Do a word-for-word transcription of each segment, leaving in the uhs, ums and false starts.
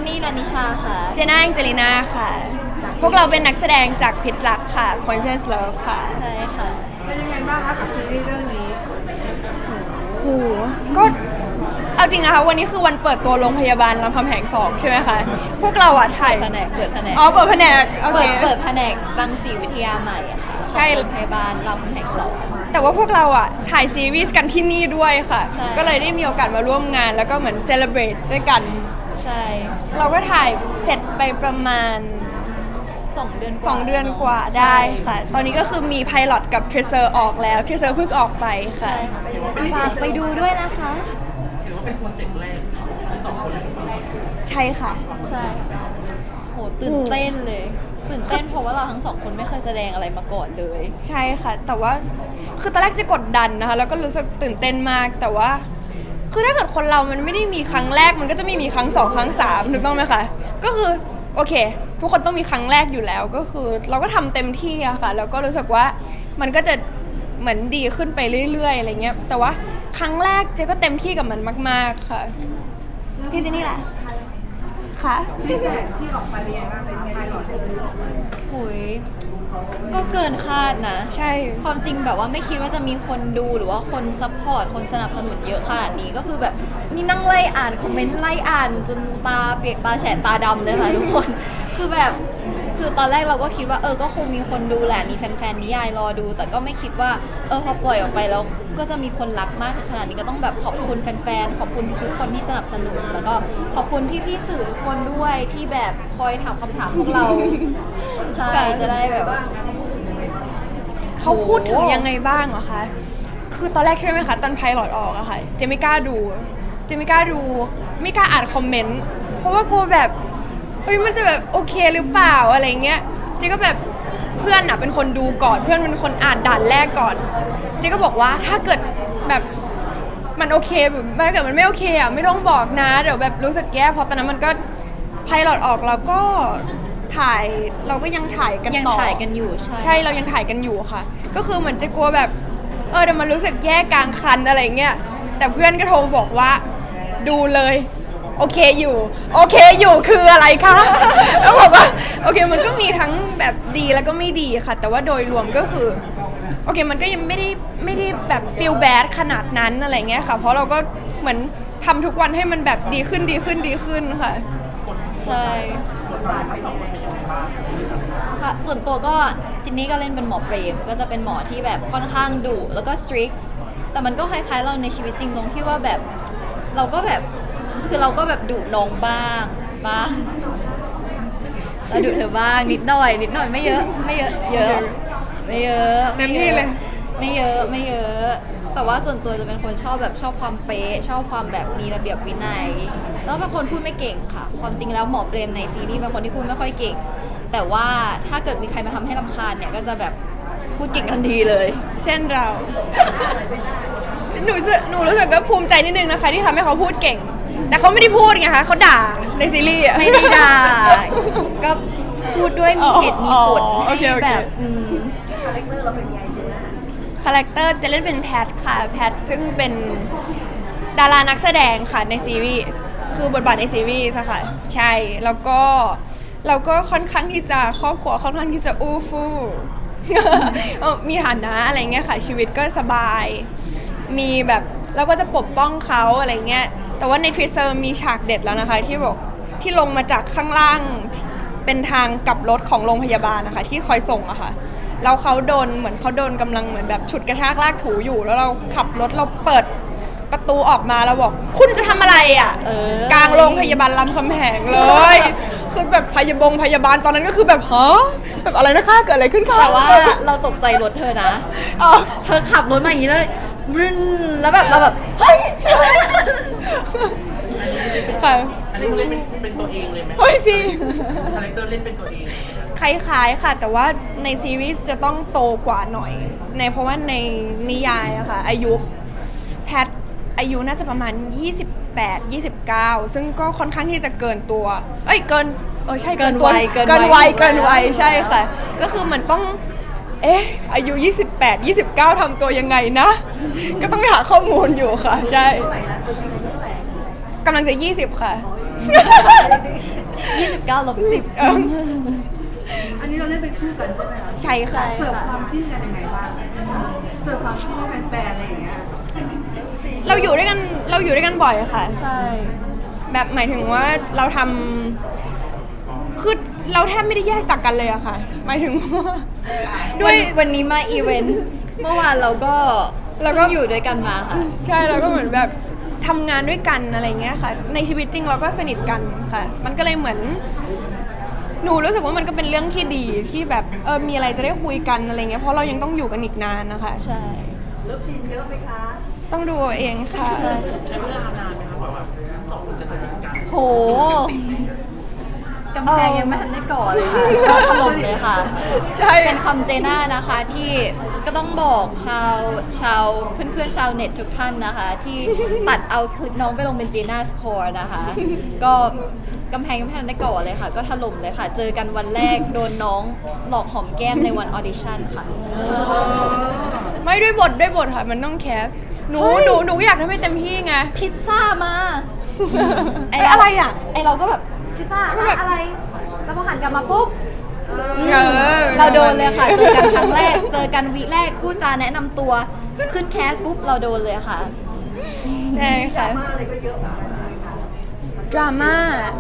นนี่นันนิชาค่ะเจน่าแองเจลิน่าค่ะพวกเราเป็นนักแสดงจากพิษรักค่ะ Princess Love ค่ะใช่ค่ะเป็นยังไงบ้างคะกับซีรีส์เรื่องนี้โหก็เอาจริงนะคะวันนี้คือวันเปิดตัวโรงพยาบาลรามคำแหงสองใช่ไหมคะพวกเราอะถ่ายแผนกเปิดแผนกอ๋อเปิดแผนกโอเคเปิดเปิดแผนกรังสีวิทยาใหม่อะค่ะใช่โรงพยาบาลรามคำแหงสองแต่ว่าพวกเราอ่ะถ่ายซีรีส์กันที่นี่ด้วยค่ะใช่ก็เลยได้มีโอกาสมาร่วมงานแล้วก็เหมือนเซเลบรตด้วยกันใช่เราก็ถ่ายเสร็จไปประมาณสองเดือนกว่าสองเดือนกว่าได้ค่ะตอนนี้ก็คือมีไพลอตกับเทรเซอร์ออกแล้วเทรเซอร์เพิ่งออกไปค่ะใช่ค่ะฝากไปดูด้วยนะคะถือว่าเป็นโปรเจกต์แรกทั้งสองคนเลยใช่ค่ะใช่โหตื่นเต้นเลยตื่นเต้นเพราะว่าเราทั้งสองคนไม่เคยแสดงอะไรมาก่อนเลยใช่ค่ะแต่ว่าคือตอนแรกจะกดดันนะคะแล้วก็รู้สึกตื่นเต้นมากแต่ว่าคือถ้าเกิดคนเรามันไม่ได้มีครั้งแรกมันก็จะไม่มีครั้งสองครั้งสามถูกต้องไหมคะก็คือโอเคทุกคนต้องมีครั้งแรกอยู่แล้วก็คือเราก็ทำเต็มที่อะค่ะแล้วก็รู้สึกว่ามันก็จะเหมือนดีขึ้นไปเรื่อยๆอะไรเงี้ยแต่ว่าครั้งแรกเจ๊ก็เต็มที่กับมันมากๆค่ะพี่เจนี่แหละค่ะฟีดแบ็กที่ออกไปเป็นยังไงบ้างเป็นไงหรอโอ้ยก็เกินคาดนะใช่ความจริงแบบว่าไม่คิดว่าจะมีคนดูหรือว่าคนซัพพอร์ตคนสนับสนุนเยอะขนาดนี้ก็คือแบบนี่นั่งไล่อ่านคอมเมนต์ไล่อ่านจนตาเปียกตาแฉะตาดำเลยค่ะทุกคนคือแบบคือตอนแรกเราก็คิดว่าเออก็คงมีคนดูแหละมีแฟนๆนิยายรอดูแต่ก็ไม่คิดว่าเออพอปล่อยออกไปแล้วก็จะมีคนรักมากถึงขนาดนี้ก็ต้องแบบขอบคุณแฟนๆขอบคุณทุกคนที่สนับสนุนแล้วก็ขอบคุณพี่ๆสื่อทุกคนด้วยที่แบบคอยถามคำถามพวกเราใช่จะได้แบบเขาพูดถึงยังไงบ้างอะคะคือตอนแรกใช่ไหมคะตอนไพลอตออกอะค่ะเจไม่กล้าดูเจไม่กล้าดูไม่กล้าอ่านคอมเมนต์เพราะว่ากลัวแบบเฮ้ยมันจะแบบโอเคหรือเปล่าอะไรเงี้ยเจก็แบบเพื่อนอะเป็นคนดูก่อนเพื่อนเป็นคนอ่านด่านแรกก่อนเจก็บอกว่าถ้าเกิดแบบมันโอเคแบบถ้าเกิดมันไม่โอเคอะไม่ต้องบอกนะเดี๋ยวแบบรู้สึกแย่เพราะตอนนั้นมันก็ไพลอตออกแล้วก็ถ่ายเราก็ยังถ่ายกันต่อยังถ่ายกันอยู่ใช่ใช่เรายังถ่ายกันอยู่ค่ะก็คือเหมือนจะกลัวแบบเออเดี๋ยวมันรู้สึกแย่กลางคันอะไรเงี้ยแต่เพื่อนก็โทรบอกว่าดูเลยโอเคอยู่โอเคอยู่คืออะไรคะแล้วบอกว่าโอเคมันก็มีทั้งแบบดีแล้วก็ไม่ดีค่ะแต่ว่าโดยรวมก็คือโอเคมันก็ยังไม่ได้ไม่ได้แบบ feel bad ขนาดนั้นอะไรเงี้ยค่ะเพราะเราก็เหมือนทำทุกวันให้มันแบบดีขึ้นดีขึ้นดีขึ้นค่ะใช่ค่ะส่วนตัวก็จินนี่ก็เล่นเป็นหมอเปรมก็จะเป็นหมอที่แบบค่อนข้างดุแล้วก็ strict แต่มันก็คล้ายๆเราในชีวิตจริงตรงที่ว่าแบบเราก็แบบคือเราก็แบบดุน้องบ้างบ้างเราดุเธอบ้างนิดหน่อยนิดหน่อยไม่เยอะไม่เยอะเยอะไม่เยอะเต็มที่เลยไม่เยอะไม่เยอะแต่ว่าส่วนตัวจะเป็นคนชอบแบบชอบความเป๊ะชอบความแบบมีระเบียบวินัยแล้วเป็นคนพูดไม่เก่งค่ะความจริงแล้วหมอเปรมในซีรีส์เป็นคนที่พูดไม่ค่อยเก่งแต่ว่าถ้าเกิดมีใครมาทำให้รำคาญเนี่ยก็จะแบบพูดเก่งทันทีเลยเช่นเราหนูหนูรู้สึกก็ภูมิใจนิดนึงนะคะที่ทำให้เขาพูดเก่งแต่เขาไม่ได้พูดไงคะเขาด่าในซีรีส์ไม่ได้ด่าก็พูดด้วยมีเหตุมีผลให้แบบอืมคาแรคเตอร์เราเป็นไงเจน่าคาแรคเตอร์จะเล่นเป็นแพทค่ะแพทซึ่งเป็นดารานักแสดงค่ะในซีรีส์คือบทบาทในซีรีส์ค่ะใช่แล้วก็เราก็ค่อนข้างที่จะครอบครัวค่อนข้างที่จะอู้ฟู่ มีฐานะอะไรเงี้ยค่ะชีวิตก็สบายมีแบบเราก็จะปกป้องเขาอะไรเงี้ยแต่ว่าในทริเซอร์มีฉากเด็ดแล้วนะคะที่บอกที่ลงมาจากข้างล่างเป็นทางกลับรถของโรงพยาบาลนะคะที่คอยส่งอะค่ะแล้วเขาโดนเหมือนเขาโดนกำลังเหมือนแบบฉุดกระชากลากถูอยู่แล้วเราขับรถเราเปิดประตูออกมาแล้วบอกคุณจะทำอะไรอ่ะกลางโรงพยาบาลรามคำแหงเลยคือแบบพยาบงพยาบาลตอนนั้นก็คือแบบฮะแบบอะไรนะคะเกิดอะไรขึ้นคะแต่ว่าเราตกใจรถเธอนะเธอขับรถมาอย่างนี้เลยรึนแล้วแบบเราแบบเฮ้ยค่ะอันนี้เล่นเป็นเป็นตัวเองเลยไหมเฮ้ยพี่คาแรคเตอร์เล่นเป็นตัวเองคล้ายๆค่ะแต่ว่าในซีรีส์จะต้องโตกว่าหน่อยในเพราะว่าในนิยายอะค่ะอายุแพทอายุน่าจะประมาณยี่สิบแปด ยี่สิบเก้าซึ่งก็ค่อนข้างที่จะเกินตัวเอ้ยเกินเออใช่เกินวัยเกินวัยเกินวัยใช่ค่ะก็คือเหมือนต้องเอ๊ะอายุยี่สิบแปด ยี่สิบเก้าทำตัวยังไงนะก็ต้องไปหาข้อมูลอยู่ค่ะใช่เท่าไหร่นะตัวจริงอายุเท่าไหร่กำลังจะยี่สิบค่ะยี่สิบเก้าลบสิบเอออันนี้เราเล่นเป็นคู่กันใช่ไหมคะใช่ค่ะเสิร์ฟความจิ้นกันยังไงบ้างเสิร์ฟความจิ้นให้แฟนๆอะไรอย่างเงี้ยเราอยู่ด้วยกันเราอยู่ด้วยกันบ่อยค่ะใช่แบบหมายถึงว่าเราทำคือเราแทบไม่ได้แยกจากกันเลยอะค่ะ หมายถึงว่าด้วัวยนวันนี้มาอีเวนต์เมื่อวานเราก็เราก็เพิ่งอยู่ด้วยกันมาค่ะใช่เราก็เหมือนแบบทำงานด้วยกันอะไรเงี้ยค่ะ ในชีวิตจริงเราก็สนิทกันค่ะ มันก็เลยเหมือน หนูรู้สึกว่ามันก็เป็นเรื่องที่ดีที่แบบเออมีอะไรจะได้คุยกันอะไรเงี้ยเพราะเรายังต้องอยู่กันอีกนานนะคะใช่เลิฟซีนเยอะไหมคะต้องดูเอาเองค่ะใช่ใช้เวลานานไหมคะกว่าแบบสองคนจะสนิทกันโหกำแพงยังไม่ทันได้ก่อเลยค่ะก็ถล่มเลยค่ะใช่เป็นคำเจน่านะคะที่ก็ต้องบอกชาวชาวเพื่อนๆชาวเน็ตทุกท่านนะคะ ที่ตัดเอาคลิปน้องไปลงเป็นเจน่าสคอร์นะคะ ก็กำแพงยังไม่ทันได้ก่อเลยค่ะ ก็ถล่มเลยค่ะ เจอกันวันแรกโดนน้องหลอกหอมแก้มในวันออดิชั่นค่ะไม่ด้วยบทด้วยบทค่ะมันต้องแคสหนูหนูหนูอยากทำให้เต็มที่ไงพิซซ่ามาไอ้อะไรอ่ะไอเราก็แบบพิซซ่าก็แบบอะไรแล้วพอหันกลับมาปุ๊บเออเราโดนเลยค่ะ เจอกันครั้งแรก เจอกันวีแรกคู่จาแนะนำตัว ขึ้นแคสปุ๊บเราโดนเลยค่ะใช่ค่ะมาอะไรก็เยอะเหมือนกันใช่ไหมคะดราม่า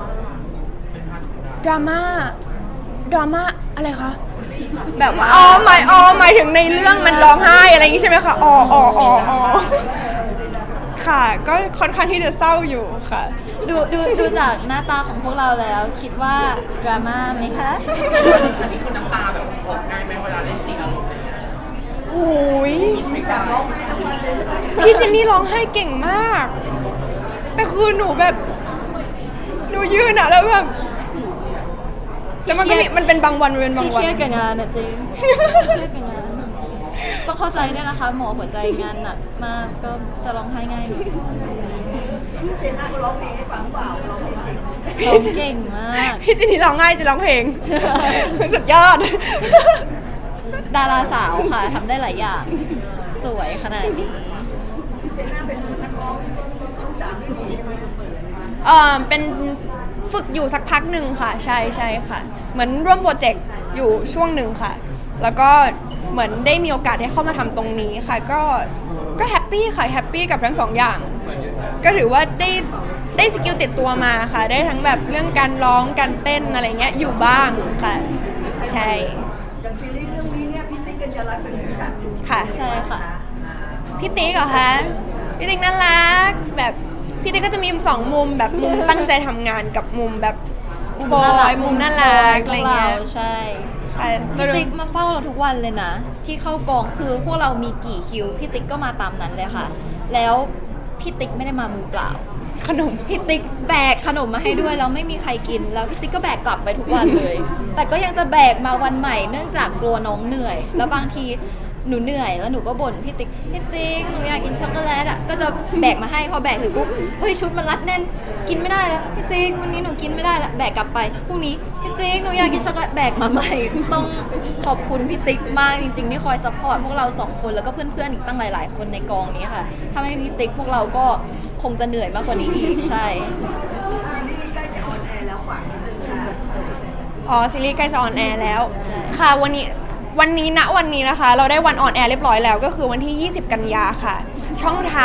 ดราม่าดราม่าอะไรคะแบบว่าอ๋อหมายอ๋อหมายถึงในเรื่องมันร้องไห้อะไรอย่างงี้ใช่ไหมคะอ๋ออ๋ออ๋ออ๋อค่ะ ก็ค่อนข้างที่จะเศร้าอยู่ค่ะดูดูดูจากหน้าตาของพวกเราแล้ว คิดว่าดราม่าไหมคะอันนี้คือน้ำตาแบบออกง่ายไหมเวลาเล่นซีนอารมณ์อะไรอย่างเงี้ยโอ้ยอยากร้องไห้ทั้งวันเลยใช่ไหมพี่เจนนี่ร้องไห้เก่งมาก แต่คือหนูแบบ หนูยืนอะแล้วแบบ แล้วมันก็มีมันเป็นบางวันมันเป็นบางที่วัเคนรียดกับงานอะจริงเครียดกับงาน ต้องเข้าใจด้วยนะคะ หมอหัวใจงานหนักมากก็จะร้องไห้ง่ายหน่อยเจนน่าก็ร้องเพลงให้ฟังเปล่าร้องเพลงเก่งร้องเก่งมากพี่เจนนี่ร้องง่ายจะร้องเพลง สุดยอดดาราสาวค่ะทำได้หลายอย่าง สวยขนาดนี้เจนน่าเป็นนักร้องลูกสาวที่ดีใช่ไหมเออเป็นฝึกอยู่สักพักหนึ่งค่ะ ใช่ใช่ค่ะ เหมือนร่วมโปรเจกต์อยู่ช่วงหนึ่งค่ะ แล้วก็เหมือนได้มีโอกาสได้เข้ามาทำตรงนี้ค่ะ ก็ก็แฮปปี้ค่ะแฮปปี้กับทั้งสองอย่าง ก็ถือว่าได้ได้สกิลติดตัวมาค่ะ ได้ทั้งแบบเรื่องการร้องการเต้นอะไรเงี้ยอยู่บ้างค่ะ ใช่อย่างซีรีส์เรื่องนี้เนี่ยพี่ติ๊กกัญญาลักษณ์เป็นผู้จัดค่ะใช่ค่ะอ่าพี่ติ๊กเหรอคะพี่ติ๊กน่ารักแบบพี่ติ๊กก็จะมีสองมุมแบบมุมตั้งใจทำงานกับมุมแบบบอยมุมน่ารักอะไรเงี้ยใช่ค่ะพี่ติ๊กมาเฝ้าเราทุกวันเลยนะ ที่เข้ากองคือพวกเรามีกี่คิวพี่ติ๊กก็มาตามนั้นเลยค่ะ แล้วพี่ติ๊กไม่ได้มามือเปล่าขนมพี่ติ๊กแบกขนมมาให้ด้วยแล้วไม่มีใครกิน แล้วพี่ติ๊กก็แบกกลับไปทุกวันเลย แต่ก็ยังจะแบกมาวันใหม่เนื่องจากกลัวน้องเหนื่อย แล้วบางทีหนูเหนื่อยแล้วหนูก็บ่นพี่ติ๊กพี่ติ๊กหนูอยากกินช็อกโกแลตอ่ะก็จะแบกมาให้พอแบกถึงปุ๊บเฮ้ยชุดมันรัดแน่นกินไม่ได้แล้วพี่ติ๊กวันนี้หนูกินไม่ได้ละแบกกลับไปพรุ่งนี้พี่ติ๊กหนูอยากกินช็อกโกแลตแบกมาใหม่ต้องขอบคุณพี่ติ๊กมากจริงๆที่คอยซัพพอร์ตพวกเราสองคนแล้วก็เพื่อนๆอีกตั้งหลาย ๆ คนในกองนี้ค่ะถ้าไม่มีพี่ติ๊กพวกเราก็คงจะเหนื่อยมากกว่านี้อีกใช่ซีรีส์ใกล้จะออนแอร์แล้วฝากนิดนึงค่ะอ๋อซีรีส์ใกล้จะออนแอร์แล้ว ค่ะวันนี้วันนี้ณวันนี้นะคะ เราได้วันออนแอร์เรียบร้อยแล้ว ก็คือวันที่ ยี่สิบ กันยาค่ะ ช่องทาง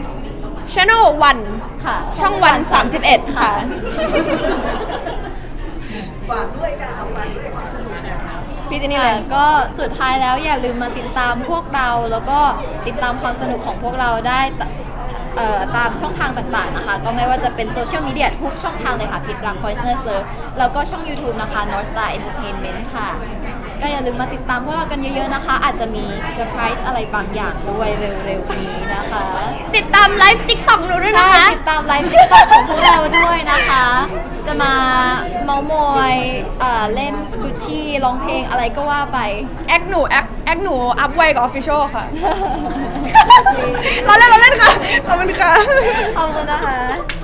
Channel วันค่ะช่องวันสามสิบเอ็ดค่ะฝากด้วยค่ะเอาฝากด้วยความสนุกเนี่ยพี่เจนนี่เลยค่ะก็สุดท้ายแล้วอย่าลืมมาติดตามพวกเราแล้วก็ติดตามความสนุกของพวกเราได้ตเอ่อตามช่องทางต่างๆนะคะ ก็ไม่ว่าจะเป็นโซเชียลมีเดียทุกช่องทางเลยค่ะพิดรัก Poisonous Love แล้วก็ช่อง YouTube นะคะ North Star Entertainment ค่ะ ก็อย่าลืมมาติดตามพวกเรากันเยอะๆนะคะ อาจจะมีเซอร์ไพรส์อะไรบางอย่างด้วยเร็วๆนี้นะคะติดตามไลฟ์ติ๊กต็อกหนูด้วยนะใช่คะติดตามไลฟ์ติ๊กต็อกของพวกเราด้วยนะคะ จะมาเมามอยเอ่อเล่นสกูชี่ร้องเพลงอะไรก็ว่าไปแอคหนูแอคแอคหนูอัพไวกับออฟฟิเชียลค่ะ เราเล่นเราเล่นค่ะ ขอบคุณค่ะขอบคุณนะคะ